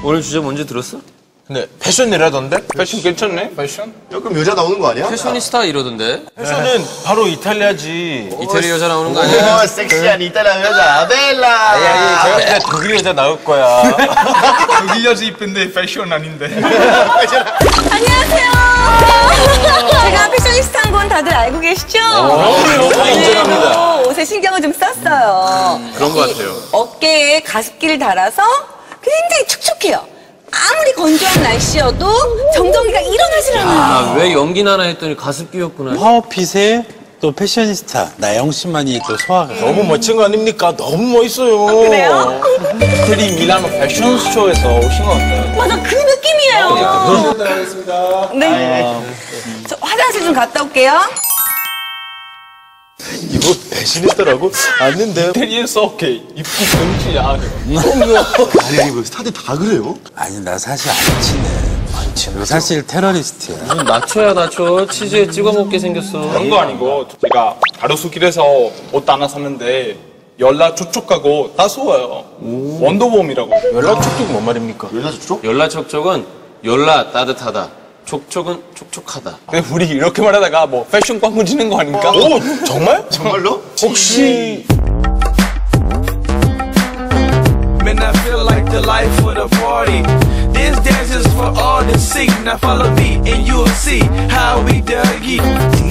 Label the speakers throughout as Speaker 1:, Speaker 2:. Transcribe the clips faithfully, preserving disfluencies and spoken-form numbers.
Speaker 1: 오늘 주제 뭔지 들었어?
Speaker 2: 근데 패션 이라던데? 패션 괜찮네? 패션?
Speaker 3: 조금 여자 나오는 거 아니야?
Speaker 1: 패셔니스타 이러던데?
Speaker 2: 패션은 바로 이탈리아지.
Speaker 1: 이태리 여자 나오는 거 아니야?
Speaker 3: 오, 섹시한 이탈리아 여자 아벨라.
Speaker 2: 아니, 제가 그때 독일 여자 나올 거야.
Speaker 4: 독일 여자 이쁜데 패션 아닌데.
Speaker 5: 안녕하세요. 제가 패셔니스타인 건 다들 알고 계시죠?
Speaker 2: 다 인정합니다.
Speaker 5: 옷에 신경을 좀 썼어요.
Speaker 1: 그런 거 같아요.
Speaker 5: 어깨에 가습기를 달아서 굉장히 촉촉해요. 아무리 건조한 날씨여도 정전기가 일어나질 않아요.
Speaker 1: 아, 왜 연기 나나 했더니 가습기였구나.
Speaker 6: 파워핏의 또 패셔니스타 나영 씨만이 또 소화가
Speaker 2: 너무 멋진 거 아닙니까? 너무 멋있어요.
Speaker 5: 그래요?
Speaker 2: 이태리 밀라노 패션쇼에서 오신 것 같아요.
Speaker 5: 맞아, 그 느낌이에요. 네. 저 화장실 좀 갔다 올게요.
Speaker 2: 이거 패션이스타라고? 아닌데. 이태리에서 오케이. 이쁜 정치야.
Speaker 3: 아니 이거 스타들 다 그래요?
Speaker 6: 아니 나 사실 안 친해 안 친해 사실 테러리스트야.
Speaker 1: 나초야 나초. 치즈에 찍어 먹게 생겼어.
Speaker 4: 그런 거 아니고 제가 가로수길에서 옷 하나 샀는데 연락 촉촉하고 따스워요. 원더웜이라고.
Speaker 2: 연락 촉촉 뭔 말입니까?
Speaker 3: 여자 촉촉?
Speaker 1: 열라 촉촉은 열라 따뜻하다. 촉촉은 촉촉하다.
Speaker 4: 근데 우리 이렇게 말하다가 뭐 패션 광고 지는 거 아닙니까?
Speaker 2: 오, 정말?
Speaker 3: 정말로?
Speaker 2: 혹시
Speaker 7: Man, I feel like the life of the party. This dance is for all to see. Now follow me and you'll see how we dug it.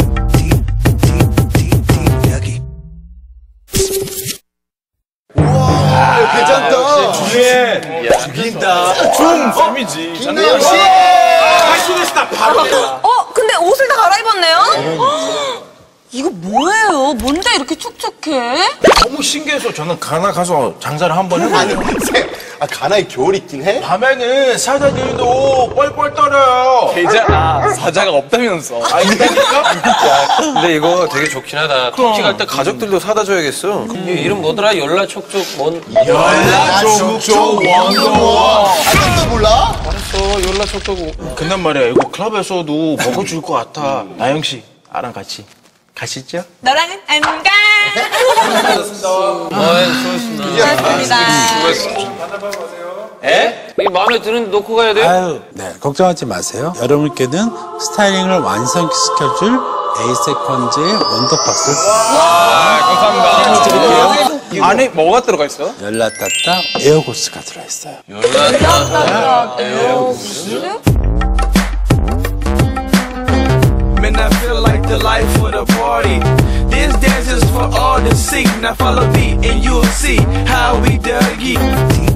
Speaker 3: 괜찮다.
Speaker 2: 주에 죽인다. 좀 쌤이지.
Speaker 3: 김나영 씨.
Speaker 2: 패션이스타 바로.
Speaker 5: 어, 근데 옷을 다 갈아입었네요? 헉, 이거 뭐예요? 뭔데 이렇게 촉촉해?
Speaker 2: 너무 신기해서 저는 가나 가서 장사를 한번 해봤어요.
Speaker 3: 쌤, 아 가나에 겨울 있긴 해?
Speaker 2: 밤에는 사자들도 뻘뻘 떨어요.
Speaker 4: 계좌 사자가 없다면서.
Speaker 2: 아, 이러니까?
Speaker 1: 근데 이거 되게 좋긴 하다. 터키 갈 때
Speaker 2: 가족들도 사다 줘야겠어.
Speaker 1: 이 이름 뭐더라? 열라 촉촉 뭔?
Speaker 3: 아 촉촉 원더워. 아직도 몰라?
Speaker 1: 알았어. 열라 촉촉.
Speaker 2: 근데 말이야, 이거 클럽에서도 먹어줄 것 같아. 나영 씨, 나랑 같이 가시죠?
Speaker 5: 너랑은 안 가.
Speaker 1: 아이, 수고했습니다.
Speaker 5: 고맙습니다.
Speaker 1: 에? 이 마음에 드는데 놓고 가야 돼요?
Speaker 6: 아유, 네 걱정하지 마세요. 여러분께는 스타일링을 완성시켜줄 에이세컨즈의 원더박스
Speaker 4: 감사합니다. 안에 뭐가 들어가 있어요?
Speaker 6: 열라따따 에어고스가 들어있어요.
Speaker 1: 열라
Speaker 7: Man, I feel like the life of the party. This dance is for all to see. Now follow me and you'll see how we dug it.